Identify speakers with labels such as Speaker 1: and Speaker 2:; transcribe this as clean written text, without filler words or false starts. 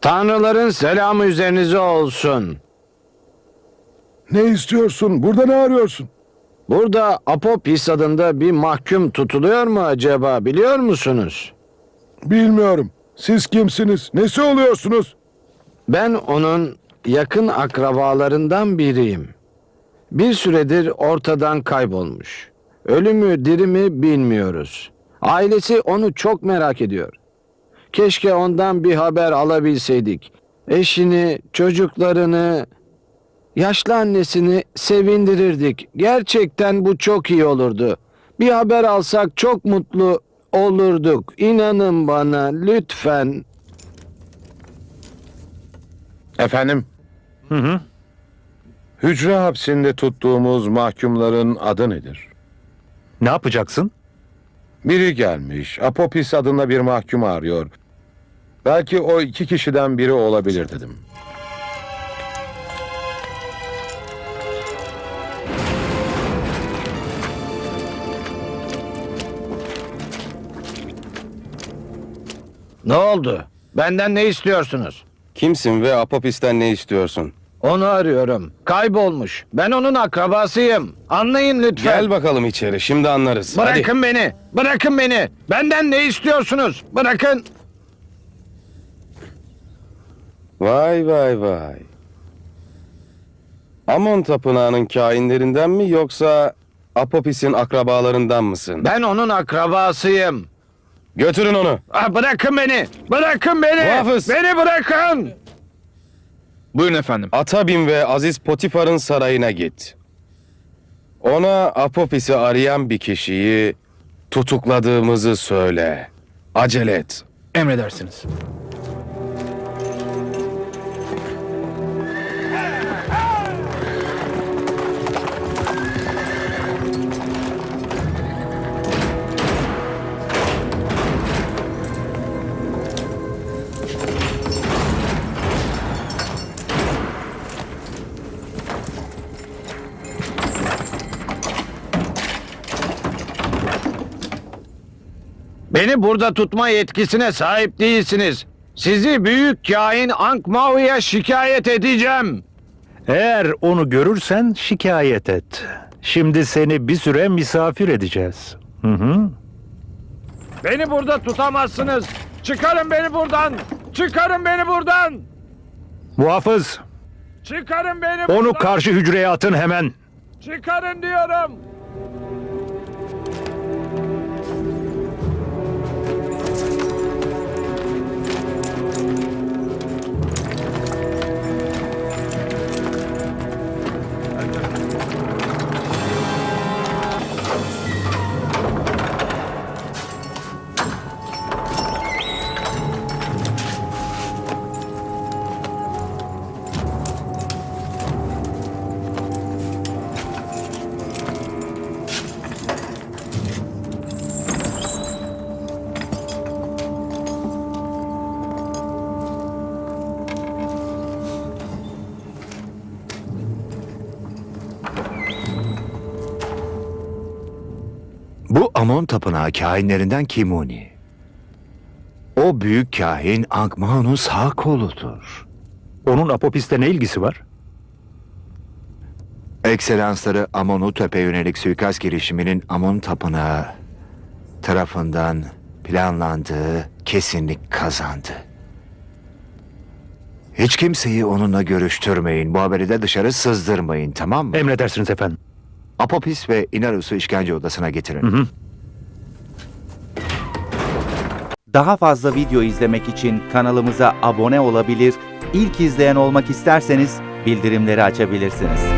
Speaker 1: Tanrıların selamı üzerinize olsun.
Speaker 2: Ne istiyorsun? Burada ne arıyorsun?
Speaker 1: Burada Apopis adında bir mahkum tutuluyor mu acaba, biliyor musunuz?
Speaker 2: Bilmiyorum. Siz kimsiniz? Nesi oluyorsunuz?
Speaker 1: Ben onun yakın akrabalarından biriyim. Bir süredir ortadan kaybolmuş. Ölü mü diri mi bilmiyoruz. Ailesi onu çok merak ediyor. Keşke ondan bir haber alabilseydik. Eşini, çocuklarını, yaşlı annesini sevindirirdik. Gerçekten bu çok iyi olurdu. Bir haber alsak çok mutlu olurduk. İnanın bana lütfen.
Speaker 2: Efendim? Hücre hapsinde tuttuğumuz mahkumların adı nedir?
Speaker 3: Ne yapacaksın?
Speaker 2: Biri gelmiş. Apopis adında bir mahkum arıyor. Belki o 2 kişiden biri olabilir dedim.
Speaker 1: Ne oldu? Benden ne istiyorsunuz?
Speaker 4: Kimsin ve Apopis'ten ne istiyorsun?
Speaker 1: Onu arıyorum. Kaybolmuş. Ben onun akrabasıyım. Anlayın lütfen.
Speaker 4: Gel bakalım içeri, şimdi anlarız.
Speaker 1: Bırakın beni. Bırakın beni. Benden ne istiyorsunuz? Bırakın.
Speaker 4: Vay vay vay. Amon Tapınağı'nın kainlerinden mi yoksa Apopis'in akrabalarından mısın?
Speaker 1: Ben onun akrabasıyım.
Speaker 4: Götürün onu.
Speaker 1: Bırakın beni. Bırakın beni.
Speaker 4: Muhafız.
Speaker 1: Beni bırakın.
Speaker 5: Buyurun efendim.
Speaker 4: Ata bin ve Aziz Potifar'ın sarayına git. Ona Apopis'i arayan bir kişiyi tutukladığımızı söyle. Acele et.
Speaker 5: Emredersiniz.
Speaker 1: Beni burada tutma yetkisine sahip değilsiniz. Sizi büyük kain Ankh-Mahu'ya şikayet edeceğim.
Speaker 3: Eğer onu görürsen şikayet et. Şimdi seni bir süre misafir edeceğiz.
Speaker 1: Beni burada tutamazsınız. Çıkarın beni buradan. Çıkarın beni buradan.
Speaker 3: Muhafız,
Speaker 1: Çıkarın beni buradan.
Speaker 3: onu karşı hücreye atın hemen.
Speaker 1: Çıkarın diyorum.
Speaker 6: Bu Amon Tapınağı kahinlerinden Kimuni. O büyük kahin Ankh-Mahu'nun sağ koludur.
Speaker 3: Onun Apopis'le ne ilgisi var?
Speaker 6: Ekselansları Amonutep'e yönelik suikast girişiminin Amon Tapınağı tarafından planlandığı kesinlik kazandı. Hiç kimseyi onunla görüştürmeyin. Bu haberi de dışarı sızdırmayın, tamam mı?
Speaker 3: Emredersiniz efendim.
Speaker 6: Apopis ve Inarus'u işkence odasına getirin.
Speaker 7: Daha fazla video izlemek için kanalımıza abone olabilir, ilk izleyen olmak isterseniz bildirimleri açabilirsiniz.